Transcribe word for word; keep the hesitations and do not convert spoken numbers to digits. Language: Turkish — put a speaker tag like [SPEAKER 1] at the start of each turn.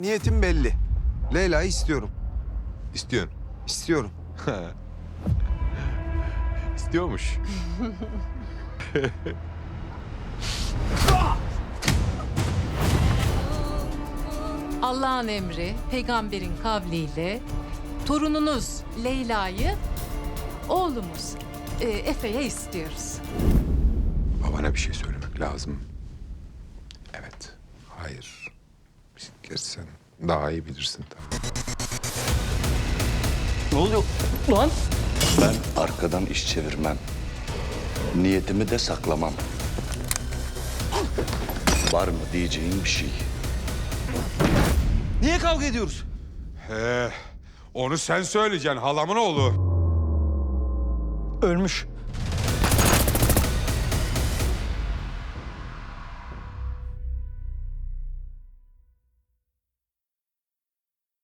[SPEAKER 1] Niyetim belli. Leyla'yı istiyorum.
[SPEAKER 2] İstiyorsun.
[SPEAKER 1] İstiyorum.
[SPEAKER 2] İstiyormuş.
[SPEAKER 3] Allah'ın emri, peygamberin kavliyle torununuz Leyla'yı oğlumuz e, Efe'ye istiyoruz.
[SPEAKER 2] Babana bir şey söylemek lazım. Evet. Hayır. Gerçi sen daha iyi bilirsin tabii.
[SPEAKER 4] Ne oluyor lan?
[SPEAKER 5] Ben arkadan iş çevirmem. Niyetimi de saklamam. Var mı diyeceğin bir şey?
[SPEAKER 4] Niye kavga ediyoruz?
[SPEAKER 2] He, onu sen söyleyeceksin halamın oğlu.
[SPEAKER 4] Ölmüş.